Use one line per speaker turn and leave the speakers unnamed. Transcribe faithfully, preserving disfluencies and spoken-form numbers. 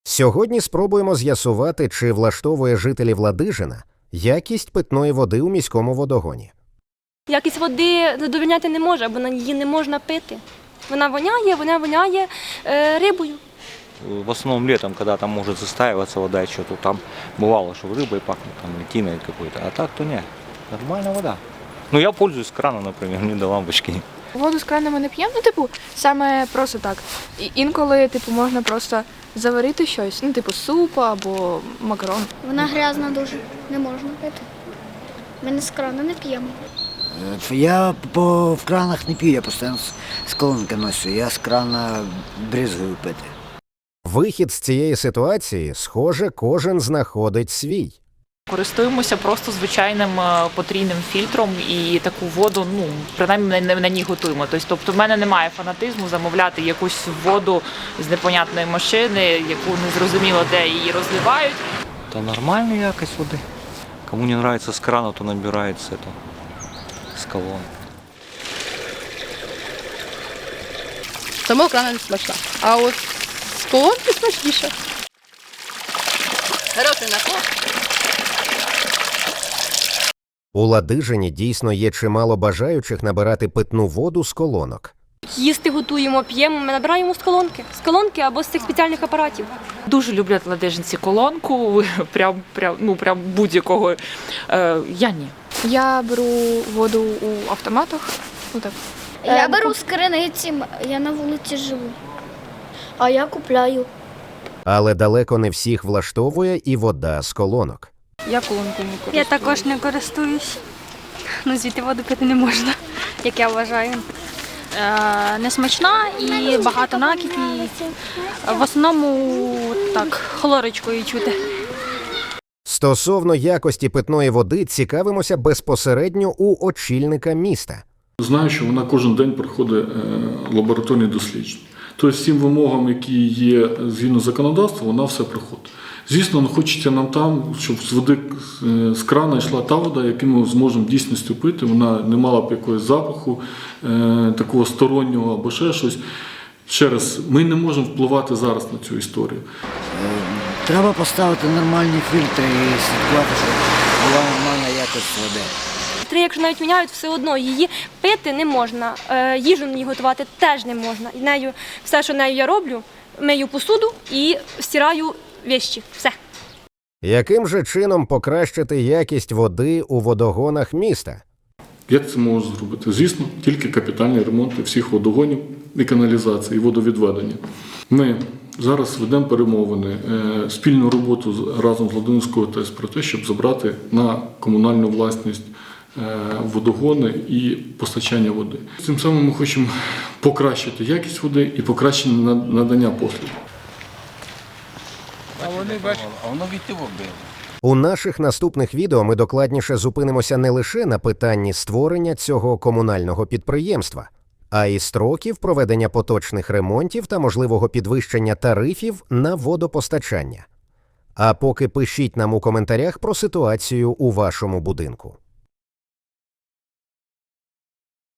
Сьогодні спробуємо з'ясувати, чи влаштовує жителів Ладижина якість питної води у міському водогоні.
Якість води задовольняти не може, бо її не можна пити. Вона воняє, вона воняє е, рибою.
В основном летом, когда там может застаиваться вода, что-то там бывало, что рыбой пахнет, там льтиной какой-то, а так то нет, нормальная вода. Ну я пользуюсь с крана, например, не до лампочки.
Воду з крана ми не п'ємо, ну, типу, саме просто так. І інколи, типу, можна просто заварити щось, ну, типу, суп або макарон.
Вона грязна дуже, не можна пити. Ми не з крана не п'ємо.
Я по, в кранах не п'ю, я постійно з, з колонки ношу, я з крана бризгаю пити.
Вихід з цієї ситуації, схоже, кожен знаходить свій.
Користуємося просто звичайним е, потрійним фільтром і таку воду, ну, принаймні на, на ній готуємо. Тобто в мене немає фанатизму замовляти якусь воду з непонятної машини, яку не зрозуміло де її розливають.
Это нормальная якость воды. Кому не нравится с крана, то набирается это с колонны.
Само крана не смачна. А от з колонки смачніше. Хороший напій.
У Ладижині дійсно є чимало бажаючих набирати питну воду з колонок.
Їсти готуємо, п'ємо, ми набираємо з колонки. З колонки або з цих спеціальних апаратів.
Дуже люблять ладижинці колонку, прям, прям, ну, прям будь-якого. Е, я ні.
Я беру воду у автоматах, ну так.
Я беру з криниці, я на вулиці живу. А я купляю.
Але далеко не всіх влаштовує і вода з колонок.
Я колонку не користуюсь.
Я також не користуюсь. Ну, звідти воду пити не можна, як я вважаю. Е, несмачна і багато накипів. В основному так, хлорочкою чути.
Стосовно якості питної води цікавимося безпосередньо у очільника міста.
Знаю, що вона кожен день проходить лабораторні дослідження. Тобто всім вимогам, які є згідно законодавства, вона все проходить. Звісно, ну, хочеться нам там, щоб з води з крана йшла та вода, яку ми зможемо в дійсності пити. Вона не мала б якогось запаху, е, такого стороннього або ще щось. Ще раз, ми не можемо впливати зараз на цю історію.
Треба поставити нормальні фільтри і слідкувати, щоб була нормальна якість води.
Три, якщо навіть міняють, все одно її пити не можна, е, їжу на ній готувати теж не можна. І нею, все, що нею я роблю, мию посуду і стираю вещі. Все.
Яким же чином покращити якість води у водогонах міста?
Як це можна зробити? Звісно, тільки капітальні ремонти всіх водогонів і каналізації, і водовідведення. Ми зараз ведемо перемовини, е, спільну роботу з- разом з Ладижинською ТЕС про те, щоб забрати на комунальну власність е, водогони і постачання води. Цим самим ми хочемо покращити якість води і покращити на- надання послуг.
У наших наступних відео ми докладніше зупинимося не лише на питанні створення цього комунального підприємства, а й строків проведення поточних ремонтів та можливого підвищення тарифів на водопостачання. А поки пишіть нам у коментарях про ситуацію у вашому будинку.